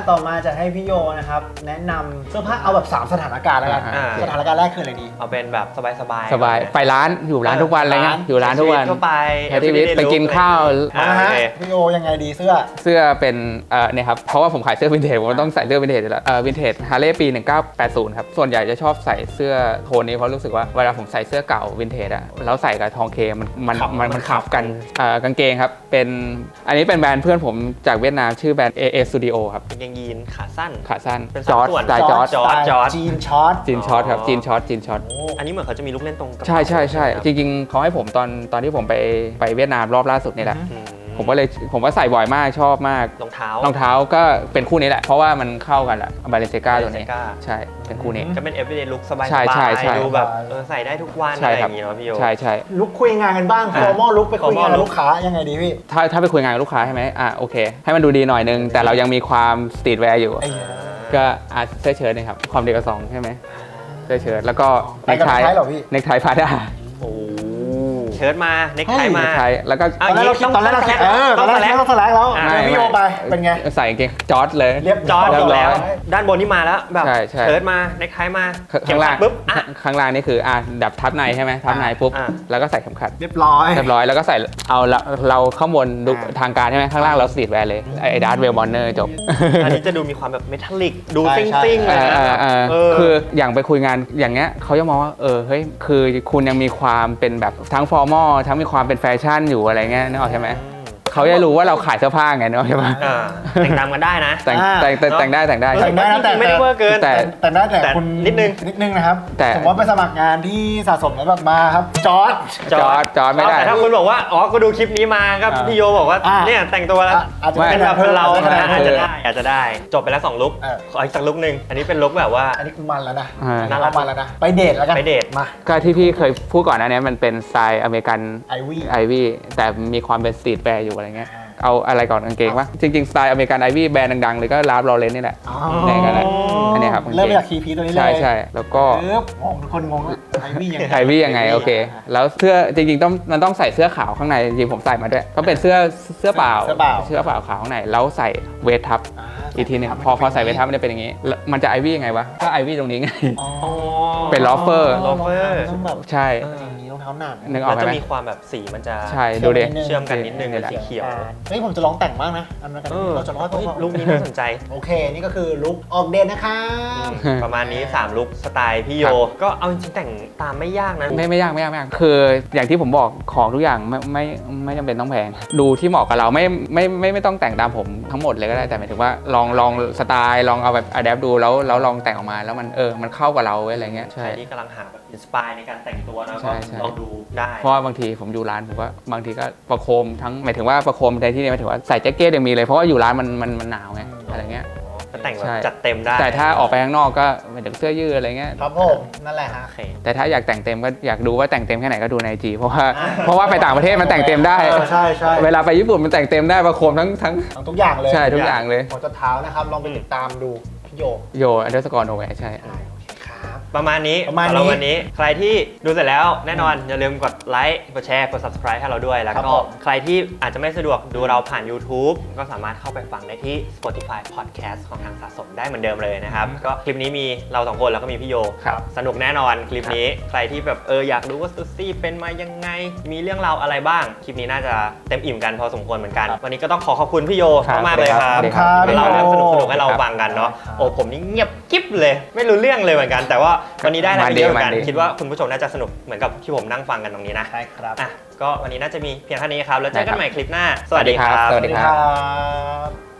ต่อมาจะให้พี่โยนะครับแนะนำเสื้อผ้าเอาแบบ3สถานการณ์แล้วกันสถานการณ์แรกคืออะไรดีเอาเป็นแบบสบายไปร้านอยู่ร้านทุกวันอะไรเงี้ยอยู่ร้านทุกวันทั่วไปใช้ชีวิตไปกินข้าวพี่โยยังไงดีเสื้อเป็นเนี่ยครับเพราะว่าผมขายเสื้อวินเทจผมต้องใส่เสื้อวินเทจอยู่แล้ววินเทจฮาร์เลย์ปี1980ครับส่วนใหญ่จะชอบใส่เสื้อโทนนี้เพราะรู้สึกว่าเวลาผมใส่เสื้อเก่าวินเทจอะแล้วใส่กับทองเคมันขับกันกางเกงครับเป็นอันนี้เป็นแบรนด์เพื่อนผมจากเวียดนามชื่อแบรนด์ AA Studio ครับกางเกงยีนขาสั้นเป็นจอร์จสไตล์จอร์จจีนช็อตครับจีนช็อตอันนี้เหมือนเขาจะมีลูกเล่นตรงกับใช่จริงๆเขาให้ผมตอนที่ผมไปเวียดนามรอบล่าสุดนี่แหละผมก็ใส่บ่อยมากชอบมากรองเท้าก็เป็นคู่นี้แหละเพราะว่ามันเข้ากันแหละบาเลนเซกาตัวนี้ใช่เป็นคู่นี้ก็เป็น everyday look สบายๆดูแบบใส่ได้ทุกวันอะไรอย่างเงี้ยพี่โยใช่ลุกคุยงานกันบ้าง formal look ไปคุยงานลูกค้ายังไงดีพี่ถ้าไปคุยงานกับลูกค้าใช่ไหมโอเคให้มันดูดีหน่อยนึงแต่เรายังมีความสตรีทแวร์อยู่ก็เสื้อเชิ้ตนะครับความเดียวกับ2ใช่ไหมเสื้อเชิ้ตแล้วก็เนคไทพาด้าเชิ้ตมาเน็กไทมาแล้วก็ตอนแรกเราคิดต้องสแลกแล้วพี่โยไปเป็นไงใส่กางเกงจอร์จเลยเรียบจอร์จแล้วด้านบนนี่มาแล้วแบบเชิ้ตมาเน็กไทมาข้างล่างปุ๊บข้างล่างนี่คือดับทับในใช่ไหมทับในปุ๊บแล้วก็ใส่เข็มขัดเรียบร้อยแล้วก็ใส่เอาเราข้างบนดูทางการใช่ไหมข้างล่างเราสตรีทแวร์เลยไอ้ดาร์ธเวลมอนเนอร์จบอันนี้จะดูมีความแบบเมทัลลิกดูซิ่งคืออย่างไปคุยงานอย่างเงี้ยเขาจะมองว่าเฮ้ยคือคุณยังมีความเป็นแบบทั้งฟอร์มอลทั้งมีความเป็นแฟชั่นอยู่อะไรเงี้ยนึกออกใช่ไหมเขาจะรู้ว่าเราขายเสื้อผ้าไงนึกออกใช่ไหมแต่งตามกันได้นะแต่งได้นะแต่ไม่ได้เวอร์เกินแต่คุณนิดนึงนะครับผมว่าไปสมัครงานที่สะสมแล้วแบบมาครับจอร์จไม่ได้แต่ถ้าคุณบอกว่าก็ดูคลิปนี้มาครับพี่โยบอกว่าเนี่ยแต่งตัวแล้วเป็นแบบเราอาจจะได้จบไปแล้ว2ลุคขออีกสักลุคนึงอันนี้เป็นลุคแบบว่าอันนี้คือมันแล้วนะน่ารักมันแล้วนะไปเดทแล้วกันไปเดทมาก็ที่พี่เคยพูดก่อนนะเนี่ยมันเป็นสไตล์อเมริกันไอวี่แต่มีความเป็นสตรีทแวร์อยู่อะไรเงี้ยเอาอะไรก่อนกางเกงวะจริงๆสไตล์อเมริกันไอวี่แบรนด์ดังๆเลยก็ลาฟลอเรนนี่แหละนี่กันแหละอันนี้ครับเริ่มจากคีพีตัวนี้เลยใช่แล้วก็ทุกคนงงไอวี่ยังไงโอเคแล้วเสื้อจริงๆมันต้องใส่เสื้อขาวข้างในจริงๆผมใส่มาด้วยต้องเป็นเสื้อเปล่าขาวข้างในแล้วใส่เวททับอีกทีนึงพอใส่เวททับมันจะเป็นอย่างนี้มันจะไอวี่ยังไงวะก็ไอวี่ตรงนี้ไงเป็นลอฟเฟอร์ใช่รองเท้าหนักนึกออกไหมจะมีความแบบสีมันจะใช่ดูดิเชื่อมกันนิดนึงเป็นสีเขียวเฮ้ยผมจะลองแต่งบ้างนะอันนั้นเราจะลองลุคนี้น่าสนใจโอเคนี่ก็คือลุคออกเดทนะครับประมาณนี้3ลุคสไตล์พี่โยก็เอาจริงแต่งตามไม่ยากนะไม่ยากคืออย่างที่ผมบอกของทุกอย่างไม่จำเป็นต้องแพงดูที่เหมาะกับเราไม่ต้องแต่งตามผมทั้งหมดเลยก็ได้แต่หมายถึงว่าลองสไตล์ลองเอาแบบอะแดปดูแล้วลองแต่งออกมาแล้วมันเข้ากับเราอะไรเงี้ยใช่ที่กำลังหาแบบอินสปายในการแต่งตัวนะก็ลองดูได้เพราะบางทีผมอยู่ร้านผมก็บางทีก็ประโคมทั้งหมายถึงว่าประโคมในที่นี้หมายถึงว่าใส่แจ็คเก็ตยังมีเลยเพราะว่าอยู่ร้านมันหนาวไงอะไรเงี้ยแต่งแบบจัดเต็มได้แต่ถ้าออกไปข้างนอกก็หมายถึงเสื้อยืดอะไรเงี้ยครับผมนั่นแหละฮะแต่ถ้าอยากแต่งเต็มก็อยากดูว่าแต่งเต็มแค่ไหนก็ดูใน IG เพราะว่าไปต่างประเทศมันแต่งเต็มได้ใช่เวลาไปญี่ปุ่นมันแต่งเต็มได้ประโคมทั้งทุกอย่างเลยใช่ทุกอย่างเลยหัวจนเท้านะครับลองไปติดตามดูพี่โย_โนแวร์ใช่ประมาณนี้เราวันนี้ใครที่ดูเสร็จแล้วแน่นอนอย่าลืมกดไลค์กดแชร์กด subscribe ให้เราด้วยแล้วก็ใครที่อาจจะไม่สะดวกดูเราผ่าน YouTube ก็สามารถเข้าไปฟังได้ที่ Spotify Podcast ของทางสะสมได้เหมือนเดิมเลยนะครับก็คลิปนี้มีเรา2คนแล้วก็มีพี่โยสนุกแน่นอนคลิปนี้ใครที่แบบอยากรู้ว่าซูซี่เป็นมายังไงมีเรื่องราวอะไรบ้างคลิปนี้น่าจะเต็มอิ่มกันพอสมควรเหมือนกันวันนี้ก็ต้องขอบคุณพี่โยมากเลยครับที่เราเรื่องสนุกให้เราฟังกันเนาะผมนี่เงียบกิ๊บเลยไม่รู้เรื่องเลยเหมือนกันแต่ว่าวันนี้ได้อะไรเยอะเหมือนกันคิดว่าคุณผู้ชมน่าจะสนุกเหมือนกับที่ผมนั่งฟังกันตรงนี้นะใช่ครับก็วันนี้น่าจะมีเพียงเท่านี้ครับแล้วเจอกันใหม่คลิปหน้าสวัสดีครับสวัสดีครับ